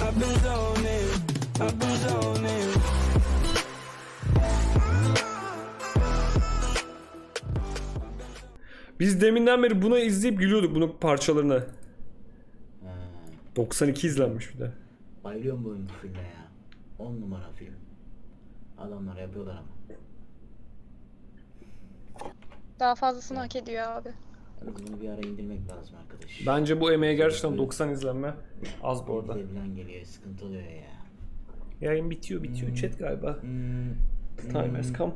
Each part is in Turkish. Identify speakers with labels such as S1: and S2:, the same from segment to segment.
S1: Biz deminden beri bunu izleyip gülüyorduk, bunun parçalarına.
S2: Ha,
S1: 92 izlenmiş bir de.
S2: bayılıyorum bu filme ya. 10 numara film. Adamlar yapıyorlar ama.
S3: Daha fazlasını hak ediyor abi.
S2: Yalnız bunu bir ara indirmek lazım arkadaş.
S1: Bence bu emeğe gerçekten 90 izlenme az bu arada.
S2: Falan geliyor, sıkıntı oluyor ya.
S1: Yayın bitiyor. Chat galiba. Time has come.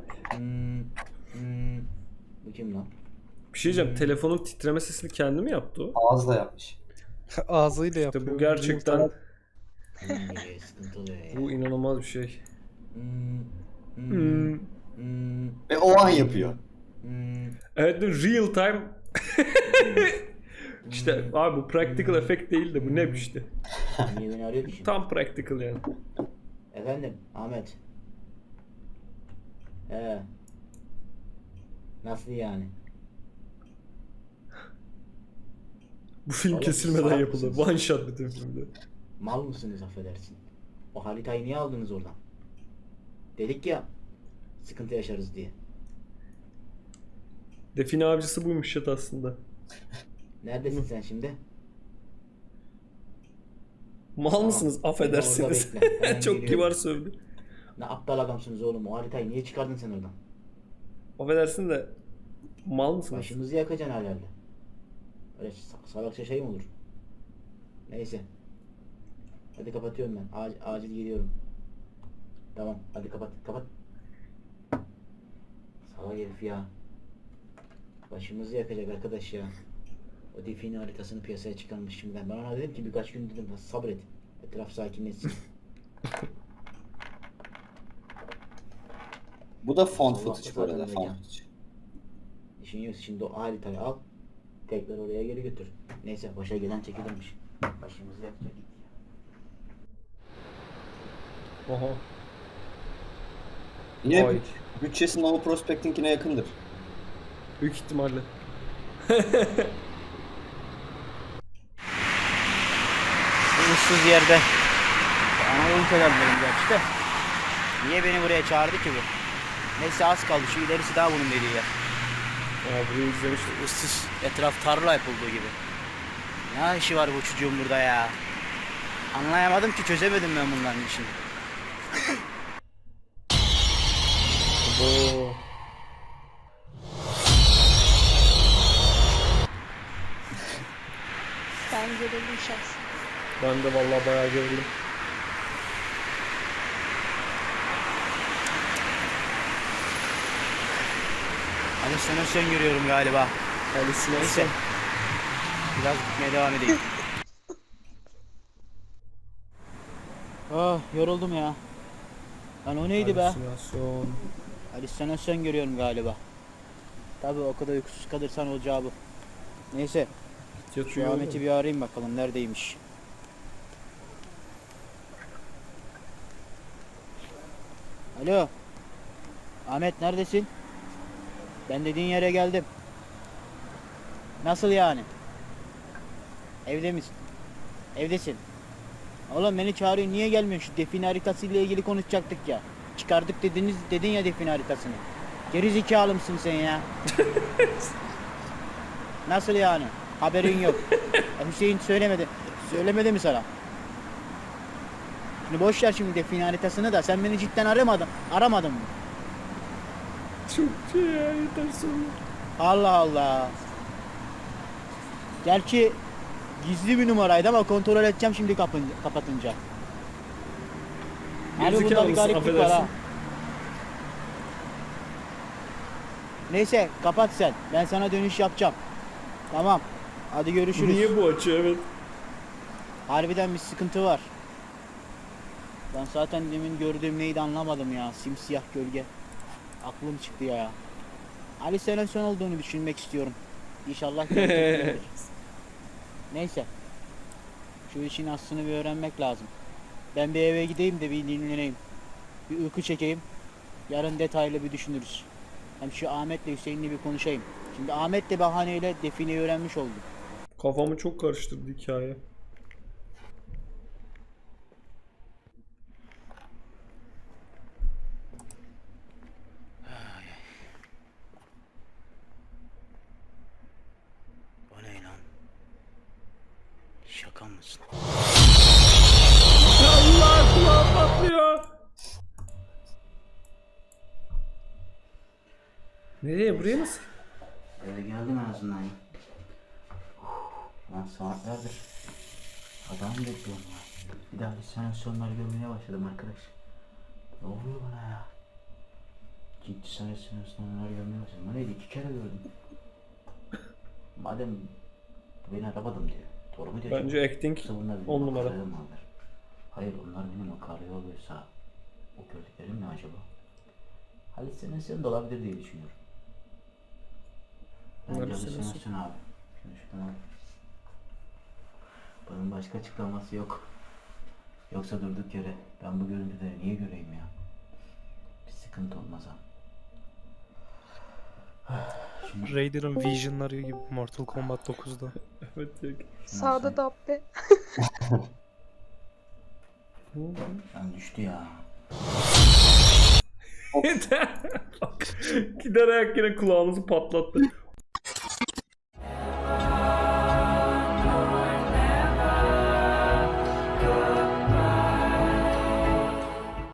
S2: Bu kim lan?
S1: Bir şey diyeceğim, telefonun titreme sesini kendi mi yaptı o?
S4: Ağızla yapmış.
S5: Ağzıyla yapıyor.
S1: İşte bu gerçekten,
S2: Falan geliyor, sıkıntı oluyor ya.
S1: bu inanılmaz bir şey.
S4: Ve o an yapıyor.
S1: Evet, de real time. İşte abi bu practical effect değil de bu ne işte.
S2: Niye beni arıyor ki şimdi?
S1: Tam practical yani.
S2: Efendim Ahmet. Nasıl yani?
S1: Bu film
S2: Oğlum,
S1: kesilmeden
S2: salak
S1: yapıldı.
S2: mısınız?
S1: One shot bütün filmde.
S2: Mal mısınız affedersin? O haritayı niye aldınız oradan? Dedik ya sıkıntı yaşarız diye.
S1: Define avcısı buymuş chat aslında.
S2: Neredesin sen şimdi?
S1: Mal mısınız? Affedersiniz.
S2: Orada bekle, hemen
S1: Çok
S2: geliyorum.
S1: kibar sövdü.
S2: Ne aptal adamsınız oğlum, o haritayı niye çıkardın sen oradan?
S1: Affedersin de mal mısınız?
S2: Başımızı yakacaksın herhalde. Öyle salakça şey mi olur? Neyse. Hadi kapatıyorum ben. Acil geliyorum. Tamam hadi kapat. Salak herif ya. Başımızı yakacak arkadaş ya. O define haritasını piyasaya çıkarmış şimdiden. Ben ona dedim ki birkaç gün dedim sabret. Etraf sakinleşsin.
S4: Bu da font
S2: Allah
S4: footage bu arada.
S2: zaten
S4: Font
S2: mekan.
S4: footage.
S2: İşin yok, şimdi o haritayı al. Tekrar oraya geri götür. Neyse başa gelen çekilirmiş. Başımızı yakacak.
S1: Oha.
S4: Yine
S1: Ay.
S4: bütçesi Nova Prospecting'ine yakındır.
S1: Büyük ihtimalle.
S2: Bu ıssız yerde. Anadolu kenarlarım gerçi de. Niye beni buraya çağırdı ki bu? Neyse az kaldı, şu ilerisi daha bunun dediği yer.
S1: Aa, burayı izlemiştim.
S2: Issız, etraf tarla yapıldığı gibi. Ne işi var bu çocuğun burada ya? Anlayamadım ki, çözemedim ben bunların işini.
S1: Oo.
S3: Ben gerildim şahsen.
S1: Ben de vallahi bayağı gerildim.
S2: Halüsinasyon görüyorum galiba.
S1: Halüsinasyon.
S2: Neyse. Biraz gitmeye devam edeyim. Oh, yoruldum ya. Lan o neydi be?
S1: Halüsinasyon.
S2: Halüsinasyon görüyorum galiba. Tabii o kadar uykusuz kalırsan olacağı bu. Neyse, şu
S1: Yatıyor.
S2: Ahmet'i bir arayayım bakalım neredeymiş. Alo. Ahmet neredesin? Ben dediğin yere geldim. Nasıl yani? Evde misin? Evdesin. Oğlum beni çağırıyor, niye gelmiyorsun? Şu define haritası ile ilgili konuşacaktık ya. Çıkardık dedin ya define haritasını. Geri zekalı mısın sen ya? Nasıl yani? Haberin yok. Hüseyin söylemedi. Söylemedi mi sana? Şimdi boş ver şimdi define haritasını da, sen beni cidden aramadın mı?
S1: Çok şey ya, yeter sonra.
S2: Allah Allah. Gerçi gizli bir numaraydı ama kontrol edeceğim şimdi kapatınca. Abi bunda
S1: Gerizekalı
S2: bir
S1: mısın?
S2: gariplik var ha.
S1: Affedersin.
S2: Neyse kapat sen. Ben sana dönüş yapacağım. Tamam. Hadi görüşürüz.
S1: Niye bu açı, evet.
S2: Harbiden bir sıkıntı var. Ben zaten demin gördüğüm neydi anlamadım ya. Simsiyah gölge. Aklım çıktı ya. Halüsinasyon olduğunu düşünmek istiyorum. İnşallah gerçekten olur. Neyse. Şu işin aslını bir öğrenmek lazım. Ben bir eve gideyim de bir dinleneyim. Bir uyku çekeyim. Yarın detaylı bir düşünürüz. Hem şu Ahmet'le Hüseyin'le bir konuşayım. Şimdi Ahmet de bahaneyle defineyi öğrenmiş oldu.
S1: Kafamı çok karıştırdı hikaye.
S2: kalmasın.
S1: Allah kulağım patlıyor. Nereye? Buraya nasıl?
S2: Eve geldim en azından ya. Ben saatlerdir adam bekliyorum ya. Bir daha halüsinasyonlar görmeye başladım arkadaş. Ne oluyor bana ya? Ciddi halüsinasyonlar görmeye başladım. Neydi? 2 kere gördüm. Madem beni aramadım diyor. Doğru mu diyor?
S1: Bence acting
S2: Yoksa bunlar benim
S1: 10 numara.
S2: makaraya mı alır? Hayır, onlar benim makaraya alıyorsa o gördüklerim ne acaba? Halüsinasyon da olabilir diye düşünüyorum. Bence
S1: Halüsinasyon.
S2: halüsinasyon abi. Şunu şuradan al. Bunun başka açıklaması yok. Yoksa durduk yere ben bu görüntüleri niye göreyim ya? Bir sıkıntı olmaz ha. Şimdi
S5: Raider'ın Vision'ları gibi Mortal Kombat 9'da.
S1: Evet. yok.
S3: Sağda Dabbe.
S2: ben düştü ya.
S1: Gider ayak yine kulağımızı patlattı.